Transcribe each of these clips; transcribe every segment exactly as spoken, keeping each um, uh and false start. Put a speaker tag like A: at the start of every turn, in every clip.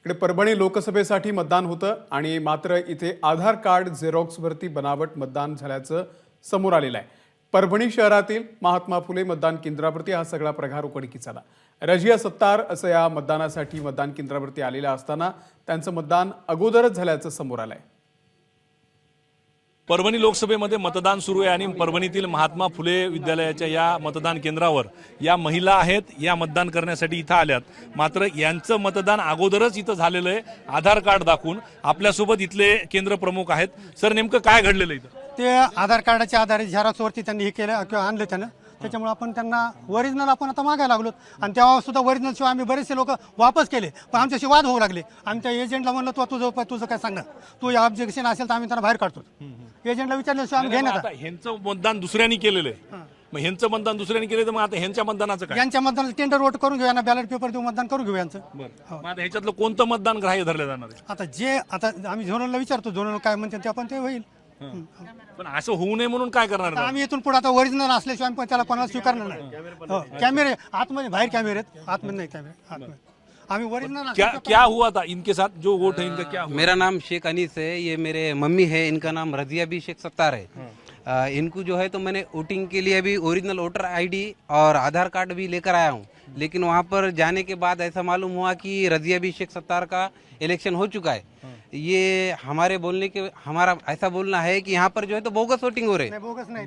A: इकडे परभणी लोकसभेसाठी मतदान होतं आणि मात्र इथे आधार कार्ड झेरॉक्सवरती बनावट मतदान झाल्याचं समोर आलेलं आहे। परभणी शहरातील महात्मा फुले मतदान केंद्रावरती हा सगळा प्रकार उघडकीस आला। रजिया सत्तार असं या मतदानासाठी मतदान केंद्रावरती आलेल्या असताना त्यांचं मतदान अगोदरच झाल्याचं समोर आलंय।
B: परभणी लोकसभेमध्ये मतदान सुरू आहे आणि परभणीतील महात्मा फुले विद्यालयाच्या या मतदान केंद्रावर या महिला आहेत, या मतदान करण्यासाठी इथं आल्यात। मात्र यांचं मतदान अगोदरच इथं झालेलं आहे आधार कार्ड दाखवून। आपल्यासोबत इथले केंद्र प्रमुख आहेत। सर, नेमकं काय घडलेलं इथं?
C: ते आधार कार्डाच्या आधारे झेरॉक्सवरती त्यांनी हे केलं किंवा आणलं त्यानं, त्याच्यामुळे आपण त्यांना ओरिजिनल आपण आता मागायला लागलो आणि तेव्हा सुद्धा ओरिजिनल शिवाय आम्ही बरेचसे लोक वापस केले, पण आमच्याशी वाद होऊ लागले। आम्ही त्या एजंटला म्हणलं तू तुझं तुझं काय सांगणार, तू ऑब्जेक्शन असेल तर आम्ही त्यांना बाहेर काढतो। एजंटला विचारल्याशिवाय आम्ही घेण्यात
B: ह्यांचं मतदान दुसऱ्यांनी केलेलं आहे, मग ह्यांचं मतदान दुसऱ्यांनी केलं तर मग आता ह्यांच्या मतदानाचं काय?
C: यांच्या मतदानाचं टेंडर वोट करून घेऊ, यांना बॅलेट पेपर देऊ, मतदान करून घेऊ यांचं।
B: मग आता ह्याच्यातलं कोणतं मतदान ग्राह्य धरलं जाणार आहे?
C: आता जे आता आम्ही झोनलला विचारतो, झोनल काय म्हणते ते आपण ते होईल।
B: पण असं होऊ नये म्हणून काय करणार?
C: आता आम्ही इथून पुढे आता ओरिजिनल असल्याशिवाय पण त्याला कोणाला स्वीकारणार नाही। कॅमेरे आतमध्ये, बाहेर कॅमेरे आहेत, आतमध्ये नाही कॅमेरे, आतमध्ये आम्ही ओरिजिनल।
B: क्या क्या हुआ था इनके साथ? जो वोट है इनका क्या हुआ?
D: मेरा नाम शेख अनीस है, ये मेरे मम्मी है, इनका नाम रजिया भी शेख सत्तार है। आ, इनको जो है तो मैंने वोटिंग के लिए अभी ओरिजिनल वोटर आईडी और आधार कार्ड भी लेकर आया हूँ, लेकिन वहाँ पर जाने के बाद ऐसा मालूम हुआ कि रजिया भी शेख सत्तार का इलेक्शन हो चुका है। ये हमारे बोलने के हमारा ऐसा बोलना है कि यहाँ पर जो है तो बोगस वोटिंग हो रहे हैं।
C: बोगस नहीं,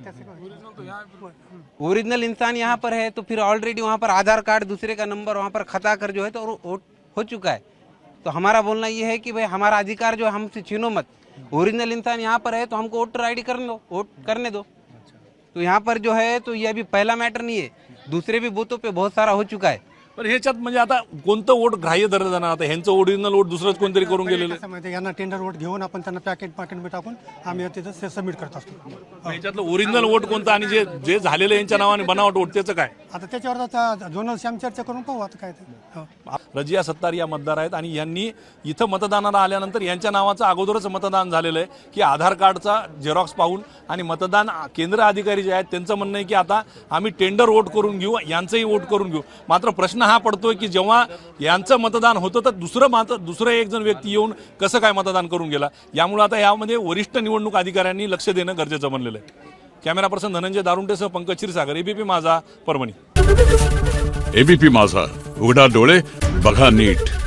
D: ओरिजिनल इंसान यहाँ पर है तो फिर ऑलरेडी वहाँ पर आधार कार्ड दूसरे का नंबर वहाँ पर खता कर जो है तो वोट हो चुका है। तो हमारा बोलना ये है कि भाई हमारा अधिकार जो है हमसे छीनो मत। ओरिजिनल इंसान यहाँ पर है तो हमको वोटर आईडी करने दो, वोट करने दो। तो यहाँ पर जो है तो ये अभी पहला मैटर नहीं है, दूसरे भी बूथों पे बहुत सारा हो चुका है।
B: पण ह्याच्यात म्हणजे आता कोणतं वोट ग्राह्य धरलं जाणार? आता ह्यांचं ओरिजिनल वोट दुसरंच कोणतरी करून गेलेलं आहे।
C: कसं माहिती, यांना टेंडर वोट घेऊन आपण त्यांना पॅकेट पॅकेट टाकून आम्ही तिथं सबमिट करत असतो।
B: ह्याच्यातलं ओरिजिनल वोट कोणतं आणि जे जे झालेलं यांच्या नावाने बनावट वोट त्याचं काय?
C: आता त्याच्यावर आता झोनलशी आम्ही चर्चा करून पाहू आता काय ते।
B: रजिया सत्तार या मतदार आहेत आणि यांनी इथं मतदानाला आल्यानंतर यांच्या नावाचं अगोदरच मतदान झालेलं आहे की आधार कार्डचा झेरॉक्स पाहून, आणि मतदान केंद्र अधिकारी जे आहेत त्यांचं म्हणणं आहे की आता आम्ही टेंडर वोट करून घेऊ, यांचंही वोट करून घेऊ। मात्र प्रश्न हा पडतोय की जेव्हा यांचं मतदान होतं तर दुसरं मात्र दुसरं एक जण व्यक्ती येऊन कसं काय मतदान करून गेला, यामुळे आता यामध्ये वरिष्ठ निवडणूक अधिकाऱ्यांनी लक्ष देणं गरजेचं बनलेलं आहे। कॅमेरा पर्सन धनंजय दारुंटेसह पंकज क्षीरसागर, एबीपी माझा, परभणी।
E: एबीपी माझा, उघडा डोळे बघा नीट।